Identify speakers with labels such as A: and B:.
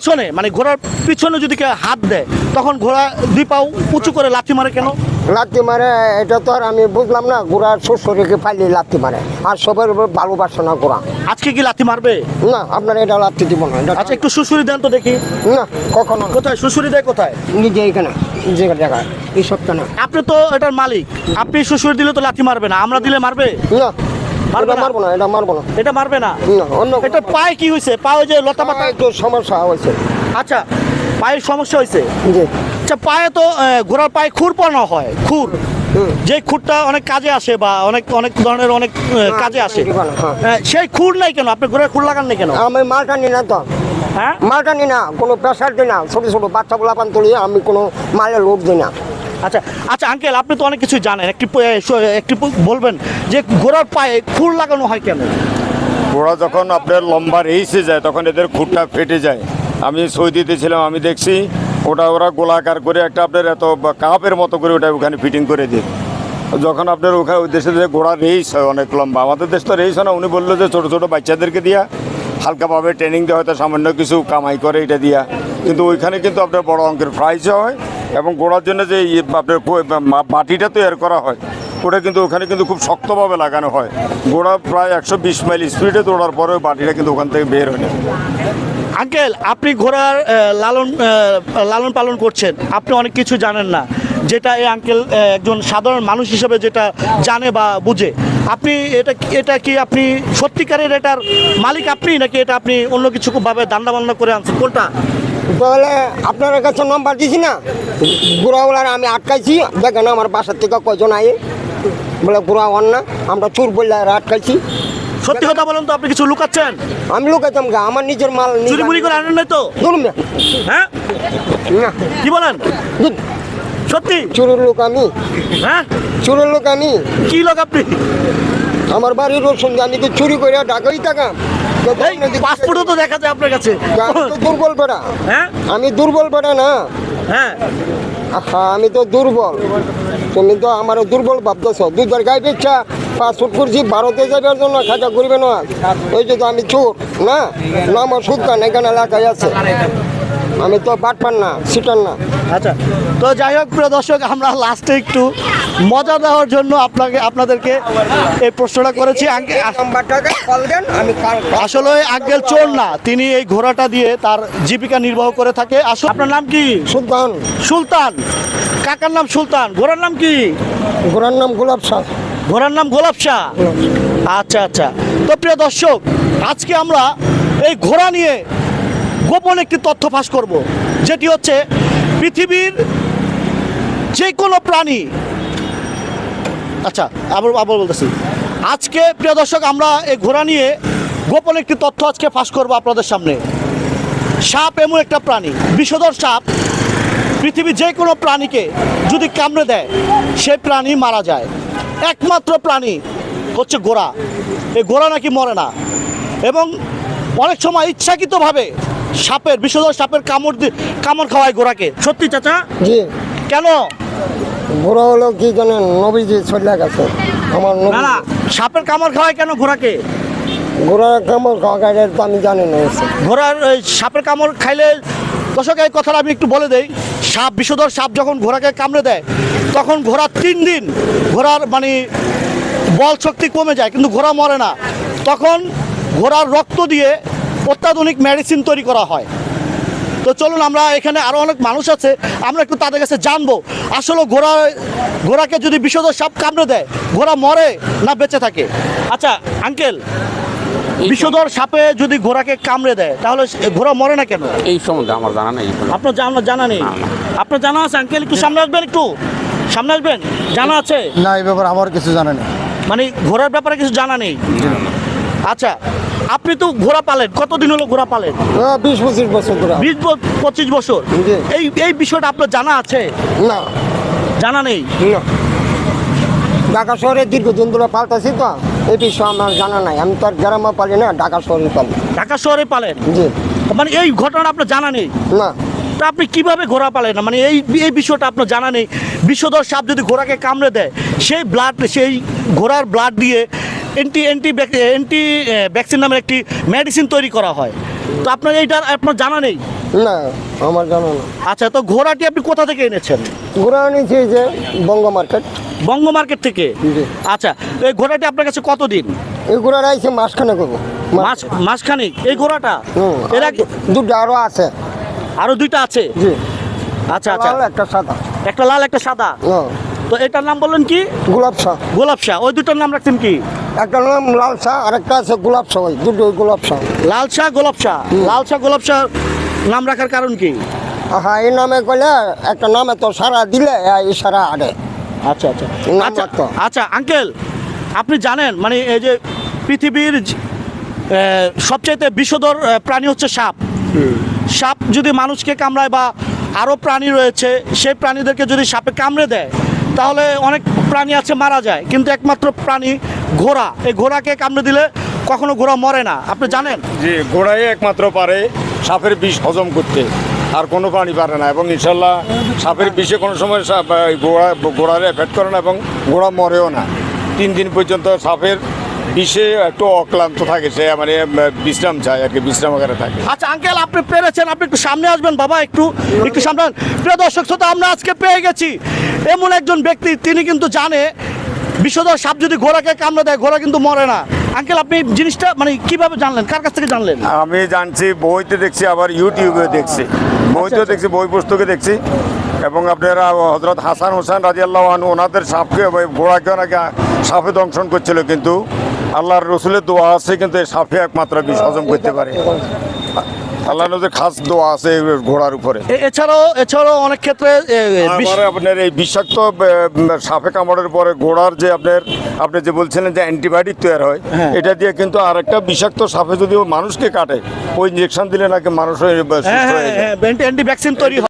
A: পেছনে মানে ঘোড়ার পিছনে যদি কেউ হাত দেয় তখন ঘোড়া দুই পাও উঁচু করে লাথি মারে কেন?
B: লাত্তি মারে এটা তো আর আমি বুঝলাম না। ঘোড়ার শ্বশুরকে পাইলে লাত্তি মারে, আর সবার উপর ভালোবাসে না ঘোড়া।
A: আজকে কি লাথি মারবে?
B: না, আপনার এটা লাত্তি দিব না।
A: আচ্ছা একটু সুশুরি দেন তো দেখি।
B: না, কখনো।
A: কোথায় সুশুরি দেয় কোথায়?
B: নিজে এখানে জায়গায় এই সবটা না।
A: আপনি তো এটার মালিক, আপনি সুশুরি দিলে তো লাথি মারবে না, আমরা দিলে মারবে?
B: না,
A: মারবে না?
B: মারবো না, এটা মারবো না।
A: এটা মারবে না?
B: না, অন্য
A: এটা পায়ে কি হয়েছে? পায়ে যে লতা পাতা
B: একটু সমস্যা হয়েছে।
A: আচ্ছা পায়ের সমস্যা হয়েছে।
B: জি।
A: আচ্ছা পায়ে তো ঘোড়ার পায়ে খুর পরানো হয়, খুর, যে খুরটা অনেক কাজে আসে বা অনেক অনেক ধরনের অনেক কাজে আসে, সেই খুর নাই কেন? আপনি ঘোড়ার খুর লাগান নাই কেন?
B: আমি মালটা নি না তো।
A: হ্যাঁ,
B: মালটা নি না, কোনো প্রেশার দিই না। ছোটো ছোটো বাচ্চাগুলো পান তুলি, আমি কোনো মালের লোভ দিই না।
A: আচ্ছা আচ্ছা আঙ্কেল আপনি তো অনেক কিছু জানেন, একটি বলবেন যে ঘোড়ার পায়ে খুর লাগানো হয় কেন?
C: ঘোড়া যখন আপনার লম্বা রেসে যায় তখন এদের খুঁটটা ফেটে যায়। আমি সৌদিতে ছিলাম, আমি দেখছি ওরা গোলাকার করে একটা আপনার এত কাপের মতো করে ওটা ওখানে ফিটিং করে দিই। যখন আপনার ওখানে ওই দেশে যে ঘোড়া রেস হয় অনেক লম্বা, আমাদের দেশ তো রেস হয় না। উনি বললো যে ছোটো ছোটো বাচ্চাদেরকে দিয়া হালকাভাবে ট্রেনিং দেওয়া হয়তো সামান্য কিছু কামাই করে এটা দিয়া, কিন্তু ওইখানে কিন্তু আপনার বড় অঙ্কের প্রাইজও হয়। এবং ঘোড়ার জন্য যে আপনার মাটিটা তৈরি করা হয় ওটা কিন্তু ওখানে কিন্তু খুব শক্তভাবে লাগানো হয়। ঘোড়া প্রায় 120 মাইল স্পিডে দৌড়ার পরে বাটিটা কিন্তু ওখান থেকে বের হয় না।
A: আঙ্কেল আপনি ঘোড়ার লালন পালন করছেন, আপনি অনেক কিছু জানেন না যেটা এই আঙ্কেল একজন সাধারণ মানুষ হিসেবে যেটা জানে বা বুঝে। আপনি এটা কি আপনি সত্যিকারের এটার মালিক আপনি, নাকি এটা আপনি অন্য কিছু ভাবে দান্ডা বান্না করে আনছেন? কোনটা?
B: তাহলে আপনার কাছে নম্বর দিছি না, ঘোড়াওয়ালার আমি আটকাইছি। দেখেন আমার বাসার থেকে কয়জন আয়ে বলে ঘোড়া হন না, আমরা চোর বললে আটকাইছি।
A: সত্যি কথা বলেন তো, আপনি কিছু লুকাচ্ছেন?
B: আমি লুকাইতাম গা, আমার নিজের মাল
A: চুরি মুড়ি করে আনেন নাই তো?
B: ধরুন না।
A: হ্যাঁ
B: না,
A: কি বলেন?
B: ধুর,
A: সত্যি?
B: চোরের লোক আমি,
A: হ্যাঁ
B: চোরের লোক আমি।
A: কি লোক আপনি?
B: আমার বাড়ির রসুন আমি তো চুরি করে ঢাকাই থাকাম।
A: পাসপোর্টও তো দেখা যায় আপনার কাছে।
B: আমি তো দুর্বল বেড়া।
A: হ্যাঁ
B: আমি দুর্বল বেড়া না।
A: হ্যাঁ
B: হ্যাঁ, আমি তো দুর্বল। তুমি তো আমার দুর্বল ভাবতেছ। দুধের গায়ে বেচা পাসপোর্ট করছি ভারতে যাবার জন্য, খাজা করবে না। ওই যে তো আমি চোর না, আমার সুলতান এখানে এলাকায় আছে। আমি তো বাটপার না, সিটার না।
A: আচ্ছা, তো যাই হোক প্রিয় দর্শক, আমরা লাস্টে একটু মজা দেওয়ার জন্য আপনাদেরকে এই প্রশ্নটা করেছি।
B: নাম্বারটাকে কল দেন, আমি
A: আসলে আঙ্কেল চোর না, তিনি এই ঘোড়াটা দিয়ে তার জীবিকা নির্বাহ করে থাকে। আসলে আপনার নাম কি?
B: সুলতান।
A: সুলতান, কাকার নাম সুলতান, ঘোড়ার নাম কি?
B: ঘোড়ার নাম গোলাপ শাহ।
A: ঘোড়ার নাম গোলাপ শাহ। আচ্ছা আচ্ছা, তো প্রিয় দর্শক, আজকে আমরা এই ঘোড়া নিয়ে গোপন একটি তথ্য ফাঁস করব, যেটি হচ্ছে পৃথিবীর যে কোনো প্রাণী। আচ্ছা আবার বলতেছি, আজকে প্রিয় দর্শক আমরা এই ঘোড়া নিয়ে গোপন একটি তথ্য আজকে ফাঁস করব আপনাদের সামনে। সাপ এমন একটা প্রাণী, বিষধর সাপ পৃথিবীর যে কোনো প্রাণীকে যদি কামড়ে দেয় সেই প্রাণী মারা যায়। একমাত্র প্রাণী হচ্ছে ঘোড়া। এই ঘোড়া নাকি মরে না, এবং অনেক সময় ইচ্ছাকৃতভাবে বিষধর সাপের কামড় খাওয়ায় ঘোড়াকে। সত্যি চাচা?
B: জি।
A: কেন?
B: ঘোড়া হলো কি জানেন, নবীজি চলে গেছে আমার নবী।
A: না না, সাপের কামড় খাওয়ায় কেন ঘোড়াকে?
B: ঘোড়ার কামড় খাওয়া তো আমি জানি না।
A: ঘোড়ার সাপের কামড় খাইলে, দর্শক এই কথাটা আমি একটু বলে দেই, বিষধর সাপ যখন ঘোড়াকে কামড়ে দেয় তখন ঘোড়া 3 দিন ঘোড়ার মানে বল শক্তি কমে যায়, কিন্তু ঘোড়া মরে না। তখন ঘোড়ার রক্ত দিয়ে অত্যাধুনিক মেডিসিন তৈরি করা হয়। তো চলুন, আমরা এখানে আরও অনেক মানুষ আছে, আমরা একটু তাদের কাছে জানবো আসলে ঘোড়াকে যদি বিষধর সাপ কামড়ে দেয় ঘোড়া মরে না বেঁচে থাকে। আচ্ছা আঙ্কেল, বিষধর সাপে যদি ঘোড়াকে কামড়ে দেয় তাহলে ঘোড়া মরে না কেন?
D: এই সম্বন্ধে আমার জানা নেই।
A: আপনার জানা নেই? আপনার জানা আছে আঙ্কেল? একটু সামনে আসবেন, একটু সামনে আসবেন। জানা আছে?
E: না, এই ব্যাপারে আমার কিছু জানা নেই।
A: মানে ঘোড়ার ব্যাপারে কিছু জানা নেই? আচ্ছা, আপনি তো ঘোড়া পালেন, কতদিন হলো ঘোড়া পালেন?
B: 20-25 বছর ধরে।
A: 20-25 বছর। এই বিষয়টা আপনার জানা আছে?
B: না,
A: জানা নেই।
B: ঢাকা শহরে দীর্ঘদিন ধরে পাল্টাছি তো, এই বিষয়ে আমার জানা নাই। আমি তো আর গ্রামে পালি না, ঢাকা শহরে পালি।
A: ঢাকা শহরে পালেন?
B: জি।
A: মানে এই ঘটনা আপনার জানা নেই?
B: না।
A: তা আপনি কিভাবে ঘোড়া পালেন না? মানে এই বিষয়টা আপনার জানা নেই। বিষধর সাপ যদি ঘোড়াকে কামড়ে দেয় সেই ঘোড়ার ব্লাড দিয়ে অ্যান্টি ভ্যাকসিন নামের একটি মেডিসিন তৈরি করা হয়। তো আপনার এইটা আপনার জানা নেই?
B: না আমার জানা না।
A: আচ্ছা, তো ঘোড়াটি আপনি কোথা থেকে এনেছেন?
B: ঘোড়া আনিছি এই যে বঙ্গ মার্কেট।
A: বঙ্গ মার্কেট থেকে?
B: জি।
A: আচ্ছা, এই ঘোড়াটি আপনার কাছে কতদিন?
B: এই ঘোড়া আইছে মাসখানে করবো।
A: মাসখানেক এই ঘোড়াটা? এর আগে
B: দুটো আরো আছে।
A: আরো দুইটা আছে?
B: জি।
A: আচ্ছা আচ্ছা,
B: লাল একটা সাদা।
A: একটা লাল একটা সাদা।
B: হ্যাঁ।
A: তো এটার নাম বললেন কি?
B: গোলাপ শাহ।
A: গোলাপ শাহ। ওই দুটোর নাম রাখছেন কি?
B: একটা নাম লাল শাহ আর একটা আছে গোলাপ শাহ। ওই দুটো গোলাপ শাহ।
A: লাল শাহ গোলাপ শাহ। লাল শাহ গোলাপ শাহ নাম রাখার কারণ কি?
B: হ্যাঁ, এই নামে কইলে একটা নামে তো সারা দিলে এই সারা আড়ে।
A: আচ্ছা আচ্ছা
B: নাম
A: আচ্ছা
B: রাখতো।
A: আচ্ছা আঙ্কেল, আপনি জানেন মানে এই যে পৃথিবীর সবচাইতে বিষধর প্রাণী হচ্ছে সাপ। সাপ যদি মানুষকে কামড়ায় বা আরও প্রাণী রয়েছে, সেই প্রাণীদেরকে যদি সাপে কামড়ে দেয় তাহলে অনেক প্রাণী আছে মারা যায়, কিন্তু একমাত্র প্রাণী ঘোড়া। এই ঘোড়াকে কামড়ে দিলে কখনো ঘোড়া মরে না, আপনি জানেন?
C: যে ঘোড়াই একমাত্র পারে সাপের বিষ হজম করতে, আর কোনো প্রাণী পারে না। এবং ইনশাল্লাহ সাপের বিষে কোনো সময় ঘোড়ার এফেক্ট করে না এবং ঘোড়া মরেও না। 3 দিন পর্যন্ত সাপের বিষে একটু অক্লান্ত থাকে, সে মানে বিশ্রাম চায় আর কি, বিশ্রামাগারে থাকে।
A: আচ্ছা আঙ্কেল, আপনি পেরেছেন, আপনি একটু সামনে আসবেন বাবা, একটু একটু সামনে আসবেন। প্রিয় দর্শক শ্রোতা, আমরা আজকে পেয়ে গেছি এমন একজন ব্যক্তি, তিনি কিন্তু জানে বিষধর সাপ যদি ঘোড়াকে কামড়ে দেয় ঘোড়া কিন্তু মরে না। আঙ্কেল, আপনি জিনিসটা মানে কিভাবে জানলেন, কার কাছ থেকে জানলেন?
C: আমি জানছি বইতে দেখছি, আবার ইউটিউবে দেখছি, বইতেও দেখছি, বই পুস্তকে দেখছি। এবং আপনারা হযরত হাসান হোসেন রাদিয়াল্লাহু আনহু ওনাদের সাপকে ঘোড়াকে নাকি সাপে দংশন করছিল, কিন্তু আল্লাহর রসুলের দোয়া আছে, কিন্তু এই সাপে একমাত্র বিষ হজম করতে পারে। আল্লাহ নবীর খাস দোয়া আছে ঘোড়ার উপরে।
A: এছাড়াও অনেক ক্ষেত্রে
C: আবার আপনার এই বিষাক্ত সাপে কামড়ের পরে ঘোড়ার যে আপনি যে বলছিলেন যে অ্যান্টিবায়োটিক তৈরি হয়,
A: হ্যাঁ।
C: এটা দিয়ে কিন্তু আরেকটা বিষাক্ত সাপে যদি মানুষকে কাটে, ওই ইঞ্জেকশন দিলে নাকি মানুষ সুস্থ হয়ে যায়।
A: অ্যান্টি ভ্যাকসিন তৈরি হয়।